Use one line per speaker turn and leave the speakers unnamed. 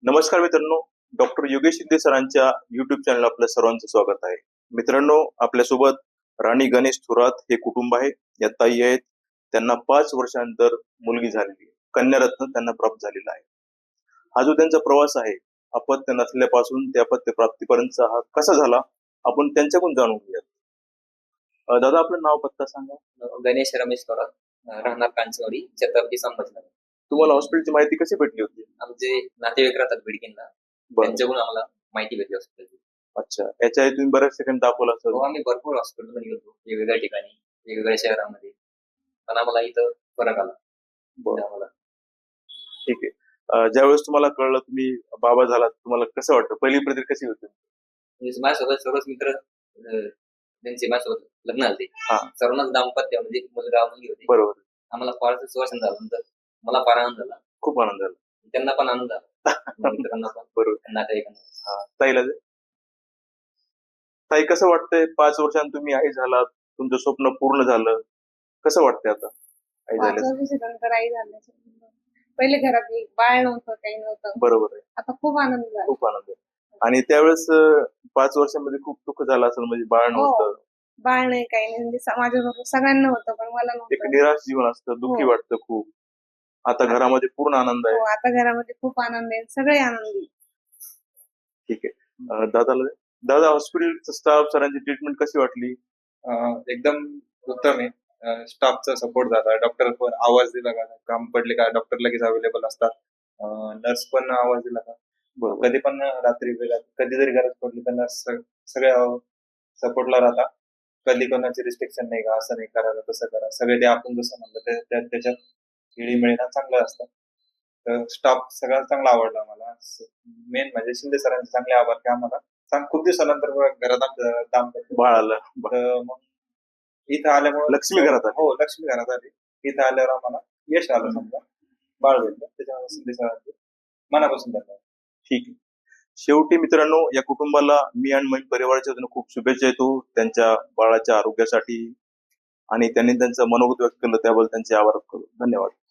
नमस्कार मित्रांनो, डॉक्टर योगेश शिंदे सरांच्या युट्यूब चॅनल आपल्या सर्वांचं स्वागत आहे. मित्रांनो, आपल्यासोबत राणी गणेश थोरात हे कुटुंब आहे. या ताई आहेत. त्यांना 5 वर्षानंतर मुलगी झालेली आहे. कन्यारत्न त्यांना प्राप्त झालेला आहे. हा जो त्यांचा प्रवास आहे, अपत्य नसल्यापासून ते अपत्य प्राप्तीपर्यंतचा हा कसा झाला, आपण त्यांच्याकडून जाणून घेऊयात. दादा, आपलं नाव पत्ता सांगा.
गणेश रमेश थोरात, राहणार कांचवाडी, छत्रपती संभाजीनगर.
तुम्हाला हॉस्पिटलची माहिती कशी भेटली होती?
आमचे नातेवाईक राहतात बिडकीनला,
बरं.
त्यांच्याकडून आम्हाला माहिती भेटली हॉस्पिटलची.
अच्छा. याच्या आधी तुम्ही बऱ्याच ठिकाणी दाखवला असेल.
हो, आम्ही भरपूर हॉस्पिटलमध्ये गेलो, वेगवेगळ्या ठिकाणी, वेगवेगळ्या शहरामध्ये, पण आम्हाला इथं फरक आला.
बरं.
आम्हाला
ठीक आहे. ज्यावेळेस तुम्हाला कळलं तुम्ही बाबा झालात, तुम्हाला कसं वाटतं? पहिली प्रतिक्रिया कशी होती?
म्हणजे माझ्यासोबत सर्वच मित्र त्यांचे माझ्यासोबत लग्न झाले.
हा.
सर्वांनाच दाम्पत्य म्हणजे मुलगा मुलगी होती.
बरोबर.
आम्हाला फार सुवासन झाल्यानंतर मला फार आनंद झाला,
खूप आनंद झाला.
त्यांना पण आनंद झाला, मित्रांना पण,
बरोबर.
नातेवाईकांना.
हा. ताईला दे. ताई, कसं वाटतंय 5 वर्षांत तुम्ही आई झालात, तुमचं स्वप्न पूर्ण झालं, कसं वाटतंय आता आई
5
झाल्याचं?
वर्षानंतर आई झाल्याचं. पहिले घरात एक बाळ नव्हतं, काही नव्हतं.
बरोबर आहे.
आता खूप आनंद झाला.
खूप आनंद आहे. आणि त्यावेळेस 5 वर्षांमध्ये खूप दुःख झालं असेल, म्हणजे बाळ नव्हतं.
बाळ नाही, काही नाही, म्हणजे माझ्याबरोबर सगळ्यांना होतं, पण मला
एक
नव्हतं.
निराश जीवन असतं, दुःखी
हो.
वाटतं खूप. आता घरामध्ये पूर्ण आनंद आहे.
हो, आता घरामध्ये खूप आनंद आहे, सगळे आनंदी.
ठीक आहे. दादाला दे. दादा, हॉस्पिटलचा स्टाफ, सरांची ट्रीटमेंट कशी वाटली?
एकदम उत्तम आहे. स्टाफचा सपोर्ट झाला, डॉक्टर पण आवाज दिला का, काम पडले का डॉक्टर लगेच अवेलेबल असतात. नर्स पण आवाज दिला का,
बरोबर.
कधी पण रात्री वेळात कधी जरी गरज पडली तर नर्स सगळ्या सपोर्टला राहतात. कधी कोणाची रिस्ट्रिक्शन नाही का, असं नाही करायला तसं करा, सगळे ते आपण जसं म्हणलं त्याच्यात खेळीमेळीना चांगलं असतं. तर स्टाफ सगळा चांगला आवडला मला. मेन म्हणजे शिंदे सरांचे चांगले आभार की आम्हाला खूप दिवसानंतर घरात आमचं दाम्पत्य
बाळ आलं.
तर मग इथं आल्यामुळे
लक्ष्मी घरात आली.
हो, लक्ष्मी घरात आली. इथं आल्यावर आम्हाला यश आलं, समजा बाळ भेटलं, त्याच्यामुळे शिंदे सरांचे मनापासून धन्यवाद.
ठीक आहे. शेवटी मित्रांनो, या कुटुंबाला मी आणि माझ्या परिवाराच्या वतीनं खूप शुभेच्छा देतो त्यांच्या बाळाच्या आरोग्यासाठी, आणि त्यांनी त्यांचं मनोगत व्यक्त केलं त्याबद्दल त्यांचे आभार करतो. धन्यवाद.